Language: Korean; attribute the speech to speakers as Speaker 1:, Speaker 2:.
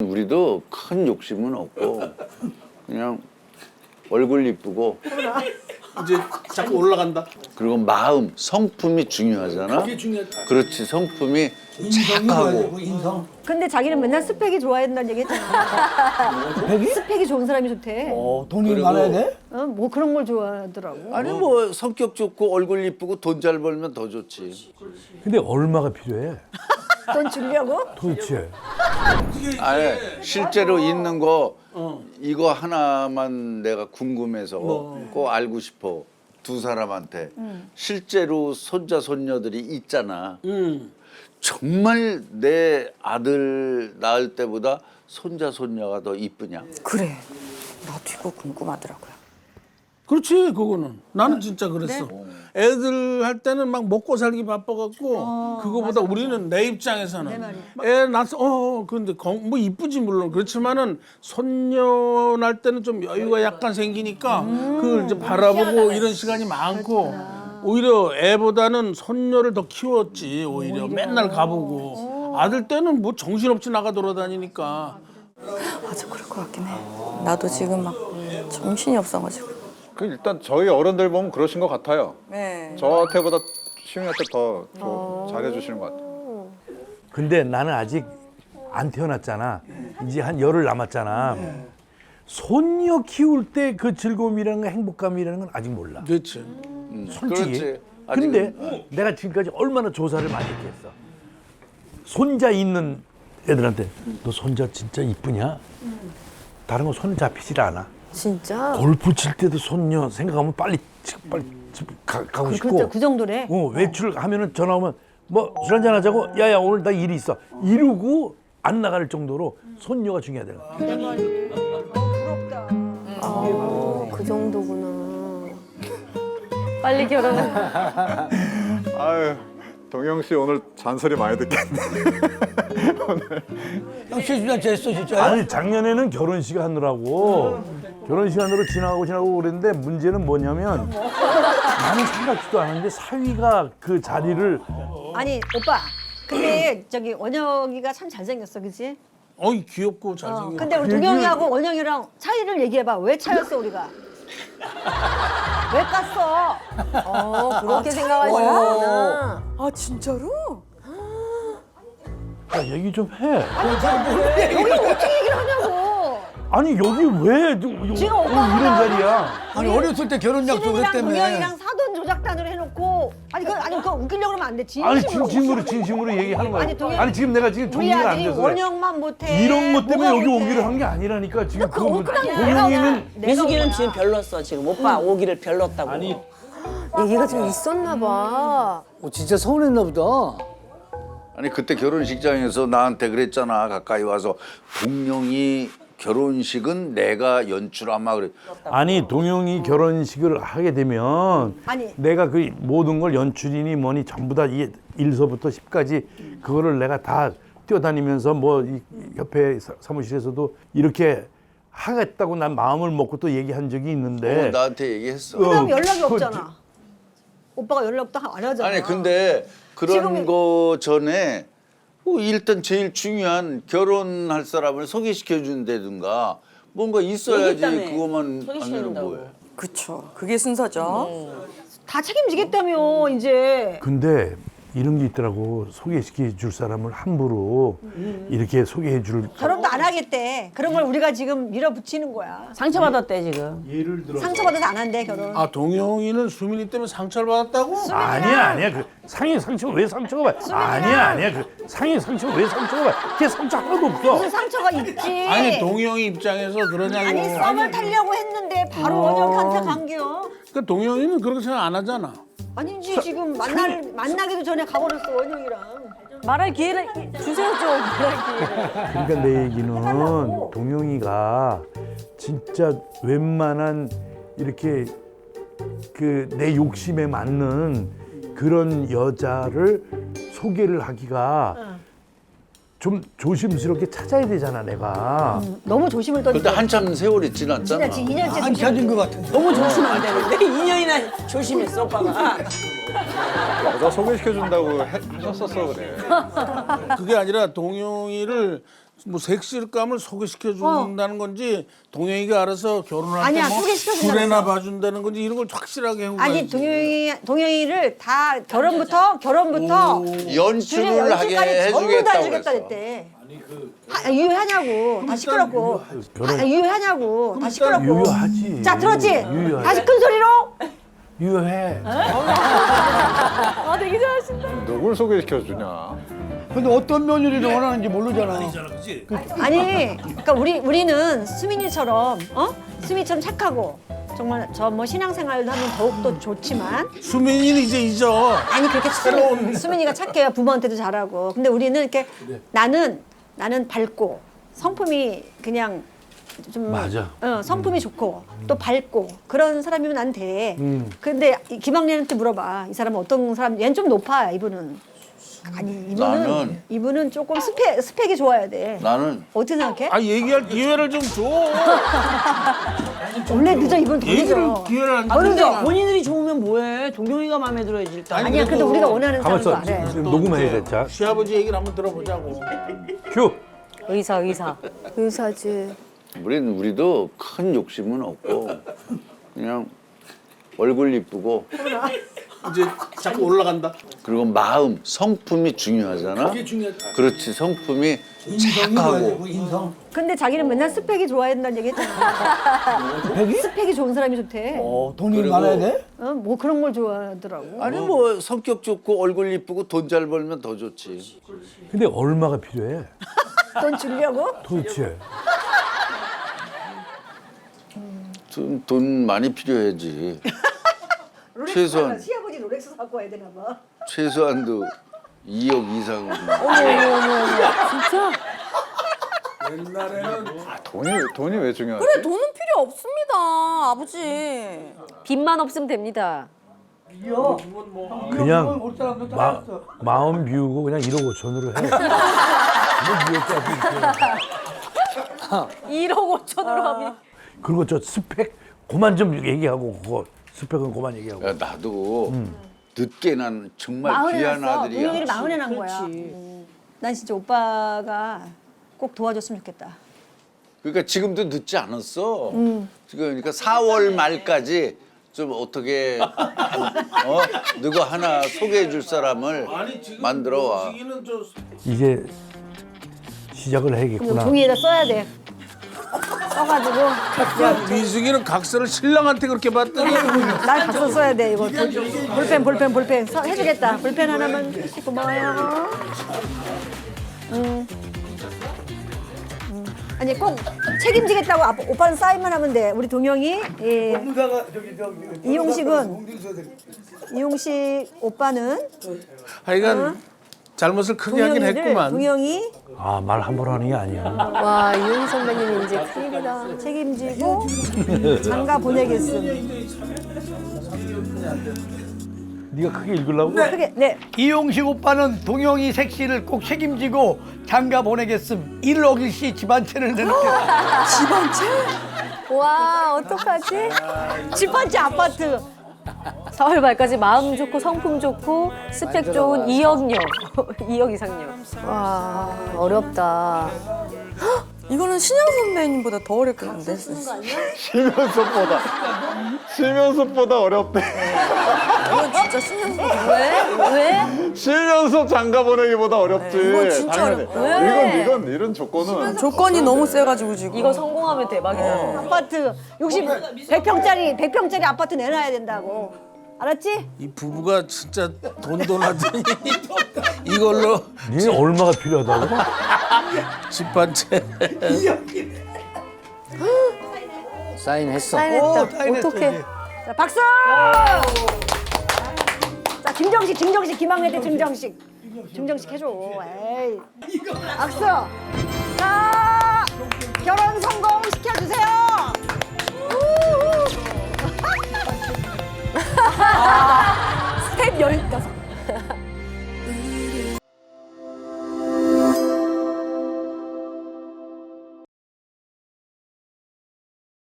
Speaker 1: 우리도 큰 욕심은 없고 그냥 얼굴 이쁘고
Speaker 2: 이제 자꾸 올라간다.
Speaker 1: 그리고 마음, 성품이 중요하잖아.
Speaker 2: 그게 중요하다.
Speaker 1: 그렇지, 성품이
Speaker 3: 인성이
Speaker 1: 착하고.
Speaker 3: 좋아야 되고 인성.
Speaker 4: 근데 자기는 맨날 스펙이 좋아야 된다는 얘기 했잖아. 스펙이 좋은 사람이 좋대.
Speaker 3: 돈이
Speaker 1: 그리고-
Speaker 3: 많아야 돼?
Speaker 4: 뭐 그런 걸 좋아하더라고.
Speaker 1: 아니 뭐 성격 좋고 얼굴 이쁘고 돈 잘 벌면 더 좋지.
Speaker 5: 근데 얼마가 필요해?
Speaker 4: 돈 주려고?
Speaker 5: 도대체.
Speaker 1: 아니 실제로 있는 거 이거 하나만 내가 궁금해서 꼭 알고 싶어. 두 사람한테 실제로 손자 손녀들이 있잖아. 정말 내 아들 낳을 때보다 손자 손녀가 더 이쁘냐?
Speaker 6: 그래. 나도 이거 궁금하더라고요.
Speaker 2: 그렇지 그거는. 나는 진짜 그랬어. 애들 할 때는 막 먹고 살기 바빠갖고 그거보다 우리는 내 입장에서는 애 낳았어. 근데 뭐 이쁘지 물론 그렇지만은 손녀 낳을 때는 좀 여유가 약간 생기니까 그걸 이제 바라보고 이런 시간이 많고 오히려 애보다는 손녀를 더 키웠지 오히려 맨날 가보고 아들 때는 뭐 정신없이 나가 돌아다니니까.
Speaker 6: 맞아, 그럴 것 같긴 해. 나도 지금 막 정신이 없어가지고.
Speaker 7: 그 일단 저희 어른들 보면 그러신 것 같아요.
Speaker 6: 네.
Speaker 7: 저한테보다 시웅이한테 더 잘해주시는 것 같아요.
Speaker 5: 근데 나는 아직 안 태어났잖아. 이제 한 열흘 남았잖아. 손녀 키울 때 그 즐거움이라는 거, 행복감이라는 건 아직 몰라.
Speaker 2: 그렇지.
Speaker 5: 솔직히.
Speaker 1: 그렇지.
Speaker 5: 근데
Speaker 1: 아직은.
Speaker 5: 내가 지금까지 얼마나 조사를 많이 했겠어. 손자 있는 애들한테 너 손자 진짜 이쁘냐? 다른 거 손 잡히질 않아.
Speaker 4: 진짜?
Speaker 5: 골프 칠 때도 손녀 생각하면 빨리 집 가고 싶고.
Speaker 4: 그렇죠. 그 정도래.
Speaker 5: 외출하면은 전화 오면 뭐 술 한잔 하자고. 야야 오늘 나 일이 있어. 이러고 안 나갈 정도로 손녀가 중요하더라.
Speaker 4: 부럽다.
Speaker 6: 그 정도구나.
Speaker 4: 빨리 결혼해.
Speaker 7: 아유, 동영 씨 오늘 잔소리 많이 듣겠네.
Speaker 3: 형 실수나 됐어 진짜.
Speaker 5: 아니 작년에는 결혼식 하느라고 결혼식 하느라 지나가고 그랬는데 문제는 뭐냐면 나는 생각지도 않았는데 사위가 그 자리를
Speaker 4: 아니 오빠. 근데 저기 원영이가 참 잘생겼어, 그치?
Speaker 2: 어이 귀엽고 잘생겼고.
Speaker 4: 근데 우리 동영이하고 원영이랑 차이를 얘기해봐. 왜 차였어 우리가? 왜 깠어?
Speaker 6: 그렇게 생각하시는구나. 아, 진짜로?
Speaker 5: 야, 얘기 좀 해.
Speaker 4: 여기 어떻게 얘기를 하냐고.
Speaker 5: 아니 여기 왜
Speaker 4: 지금
Speaker 5: 오늘
Speaker 4: 오빠가
Speaker 5: 이런 자리야?
Speaker 3: 아니 어렸을 때 결혼 약속
Speaker 4: 시민이랑
Speaker 3: 그랬다며.
Speaker 4: 동영이랑 사돈 조작단으로 해놓고 그거 웃기려고 그러면 안 돼.
Speaker 5: 아니
Speaker 4: 진심으로.
Speaker 5: 진심으로 얘기하는 거야.
Speaker 4: 아니, 동현-
Speaker 5: 아니 지금 내가 지금
Speaker 4: 우리
Speaker 5: 정리가 안
Speaker 4: 아들이
Speaker 5: 돼서 그래.
Speaker 4: 원영만 못해.
Speaker 5: 이런 것 때문에
Speaker 4: 뭐가
Speaker 5: 여기
Speaker 4: 못해.
Speaker 5: 오기를 한 게 아니라니까 지금
Speaker 4: 그거 억울한 거야.
Speaker 5: 동영이는
Speaker 8: 미숙이는 지금 별렀어 지금 오빠 오기를 별렀다고.
Speaker 5: 아니
Speaker 6: 얘기가 좀 있었나 봐.
Speaker 3: 진짜 서운했나 보다.
Speaker 1: 아니 그때 결혼식장에서 나한테 그랬잖아. 가까이 와서 동영이 결혼식은 내가 연출하마 그래.
Speaker 5: 아니 동영이 결혼식을 하게 되면
Speaker 4: 아니.
Speaker 5: 내가 그 모든 걸 연출이니 뭐니 전부 다 1서부터 10까지 그거를 내가 다 뛰어다니면서 뭐 이 협회 사무실에서도 이렇게 하겠다고 난 마음을 먹고 또 얘기한 적이 있는데
Speaker 1: 나한테 얘기했어.
Speaker 4: 그다음 연락이 없잖아. 오빠가 연락도 안 하잖아.
Speaker 1: 아니 근데 그런
Speaker 4: 지금은-
Speaker 1: 거 전에 일단 제일 중요한 결혼할 사람을 소개시켜 준다든가 뭔가 있어야지.
Speaker 8: 얘기했다며.
Speaker 1: 그것만 하면
Speaker 8: 소개시켜준다고.
Speaker 1: 뭐해.
Speaker 6: 그쵸. 그게 순서죠.
Speaker 4: 다 책임지겠다며 이제.
Speaker 5: 근데 이런 게 있더라고. 소개시켜 줄 사람을 함부로 이렇게 소개해 줄
Speaker 4: 결혼도 안 하겠대. 그런 걸 우리가 지금 밀어붙이는 거야.
Speaker 8: 상처받았대 지금.
Speaker 5: 예를 들어
Speaker 4: 상처받아서 안 한대 결혼.
Speaker 2: 아 동영이는 수민이 때문에 상처를 받았다고?
Speaker 5: 아니야 그 상처 왜 상처가 봐? 아니야 그 상처 왜 상처가 봐? 걔 상처 하나도 없어.
Speaker 4: 무슨 상처가 있지.
Speaker 2: 아니 동영이 입장에서 그러냐고.
Speaker 4: 아니 썸을 타려고 했는데 바로 원영한테 간겨.
Speaker 2: 그러니까 동영이는 그렇게 생각 안 하잖아.
Speaker 4: 아니지 지금 만나기도 전에 가버렸어 원영이랑.
Speaker 6: 말할 기회를 주세요 좀. 말할 기회를.
Speaker 5: 그러니까 내 얘기는 동영이가 진짜 웬만한 이렇게 그 내 욕심에 맞는 그런 여자를 소개를 하기가 좀 조심스럽게 찾아야 되잖아 내가.
Speaker 4: 너무 조심을 던지.
Speaker 1: 근데 한참 세월이 지났잖아.
Speaker 4: 진짜 2년째
Speaker 3: 안 찾은 것 같은데.
Speaker 8: 너무 조심하면 안 되는데 2년이나 조심했어 오빠가.
Speaker 7: 여자 소개시켜 준다고 하셨었어 그래.
Speaker 2: 그게 아니라 동영이를 뭐 섹시감을 소개시켜 준다는 건지 동영이가 알아서 결혼할
Speaker 4: 아니야,
Speaker 2: 때뭐
Speaker 4: 소개시켜준다고
Speaker 2: 술에나
Speaker 4: 했어.
Speaker 2: 봐준다는 건지 이런 걸 확실하게 해고
Speaker 4: 아니 동영이를 다 결혼부터
Speaker 1: 연출을 하게
Speaker 4: 연출까지 전부 다
Speaker 1: 해주겠다고
Speaker 4: 해주겠다
Speaker 1: 그랬어.
Speaker 4: 그랬대. 유효하냐고 다 시끄럽고. 유효하냐고 다 시끄럽고.
Speaker 5: 유효하지.
Speaker 4: 자 들었지?
Speaker 5: 유효하지.
Speaker 4: 다시 큰 소리로.
Speaker 5: 유효해.
Speaker 4: 아 되게 잘하신다.
Speaker 7: 누굴 소개시켜주냐?
Speaker 3: 근데 어떤 며느리를 원하는지 모르잖아.
Speaker 4: 아니, 그러니까 우리는 수민이처럼 수민이처럼 착하고 정말 저 뭐 신앙생활도 하면 더욱 더 좋지만
Speaker 2: 수민이는 이제 잊어.
Speaker 4: 아니 그렇게 수민이가 착해요. 부모한테도 잘하고. 근데 우리는 이렇게 나는 밝고 성품이 그냥 좀
Speaker 5: 맞아.
Speaker 4: 성품이 좋고 또 밝고 그런 사람이면 난 돼. 근데 김학래한테 물어봐. 이 사람은 어떤 사람? 얘는 좀 높아. 이분은. 아니 이분은 조금 스펙이 좋아야 돼.
Speaker 1: 나는
Speaker 4: 어떻게 생각해?
Speaker 2: 아 얘기할 기회를 좀 줘.
Speaker 4: 원래 늦어 이분 더
Speaker 2: 얘기를
Speaker 4: 늦어.
Speaker 2: 기회를 안
Speaker 8: 근데
Speaker 2: 주잖아.
Speaker 8: 본인들이 좋으면 뭐해? 동영이가 마음에 들어야지 일단.
Speaker 4: 아니야. 근데 우리가 원하는
Speaker 5: 가만
Speaker 4: 사람도
Speaker 5: 있어.
Speaker 4: 알아.
Speaker 5: 지금 녹음해야 돼. 자,
Speaker 2: 시아버지 얘기를 한번 들어보자고.
Speaker 5: 큐.
Speaker 6: 의사지.
Speaker 1: 우리도 큰 욕심은 없고 그냥 얼굴 이쁘고
Speaker 2: 이제 자꾸 올라간다.
Speaker 1: 그리고 마음, 성품이 중요하잖아.
Speaker 2: 그게 중요하다.
Speaker 1: 그렇지, 성품이 착하고.
Speaker 4: 근데 자기는 맨날 스펙이 좋아야 된다는 얘기 했잖아. 스펙이 좋은 사람이 좋대.
Speaker 3: 돈이
Speaker 1: 그리고-
Speaker 3: 많아야 돼?
Speaker 4: 뭐 그런 걸 좋아하더라고.
Speaker 1: 아니 뭐 성격 좋고 얼굴 이쁘고 돈 잘 벌면 더 좋지.
Speaker 5: 근데 얼마가 필요해?
Speaker 4: 돈 주려고?
Speaker 5: 도대체.
Speaker 1: 돈 많이 필요하지. 최소한
Speaker 4: 시아버지 롤렉스 갖고 와야 되나 봐.
Speaker 1: 최소한도 2억 이상은.
Speaker 7: 돈이 왜 중요하지?
Speaker 6: 그래 돈은 필요 없습니다 아버지.
Speaker 4: 빚만 없으면 됩니다.
Speaker 5: 그냥 마음 비우고 그냥 1억 5천으로 해. 뭐
Speaker 6: 1억 5천으로 하면.
Speaker 5: 그리고 저 스펙 그만 좀 얘기하고 그거 스펙은 그만 얘기하고.
Speaker 1: 야, 나도 늦게 난 정말 귀한 아들이야.
Speaker 4: 동영이를 마흔에 난 거야. 난 진짜 오빠가 꼭 도와줬으면 좋겠다.
Speaker 1: 그러니까 지금도 늦지 않았어. 지금 그러니까 4월 말까지 좀 어떻게 누구 하나 소개해 줄 사람을 만들어 와.
Speaker 5: 이제 시작을 해야겠구나.
Speaker 4: 종이에다 써야 돼. 써가지고
Speaker 2: 미숙이는 각서를 신랑한테 그렇게 봤더니
Speaker 4: 날 각서 써야 돼 이거. 볼펜 해주겠다. 볼펜 하나만 고마워요. 아니 꼭 책임지겠다고 오빠는 사인만 하면 돼. 우리 동영이 이용식 오빠는
Speaker 2: 하여간 잘못을 크게 하긴 했구만.
Speaker 4: 동영이
Speaker 5: 아, 말 함부로 하는 게 아니야.
Speaker 6: 와 이용 선배님 이제 큰일이다.
Speaker 4: 책임지고 장가 보내겠음.
Speaker 5: 네가 크게 읽으려고?
Speaker 4: 크게 네.
Speaker 3: 이용식 오빠는 동영이 색시를 꼭 책임지고 장가 보내겠음. 1억 일시 집안채를 내놓게.
Speaker 6: 와 어떡하지?
Speaker 4: 집 한 채 아파트.
Speaker 9: 서울 말까지 마음 좋고 성품 좋고 스펙 좋은 2억녀 2억 이상녀.
Speaker 6: 와 어렵다. 헉, 이거는 신영 선배님보다 더 어렵겠는데.
Speaker 7: 실면섭보다 어렵대.
Speaker 6: 이건 진짜 신영 선배.
Speaker 9: 왜?
Speaker 7: 실면섭 장가 보내기보다 어렵지.
Speaker 6: 이건 진짜
Speaker 7: 당연히.
Speaker 6: 어렵다.
Speaker 7: 이건 이런 조건은
Speaker 6: 조건이 너무 세가지고 지금.
Speaker 9: 이거 성공하면 대박이다.
Speaker 4: 아파트 100평짜리 아파트 내놔야 된다고. 알았지?
Speaker 2: 이 부부가 진짜 돈돈 하더니 이걸로
Speaker 5: 니네 얼마가 필요하다고?
Speaker 2: 집 한 채.
Speaker 3: 사인했어.
Speaker 6: 사인했다. 어떡해.
Speaker 4: 자, 박수! 자, 증정식 김학래 때 증정식 해줘. 에이. 박수! 자, 결혼 성공 시켜주세요.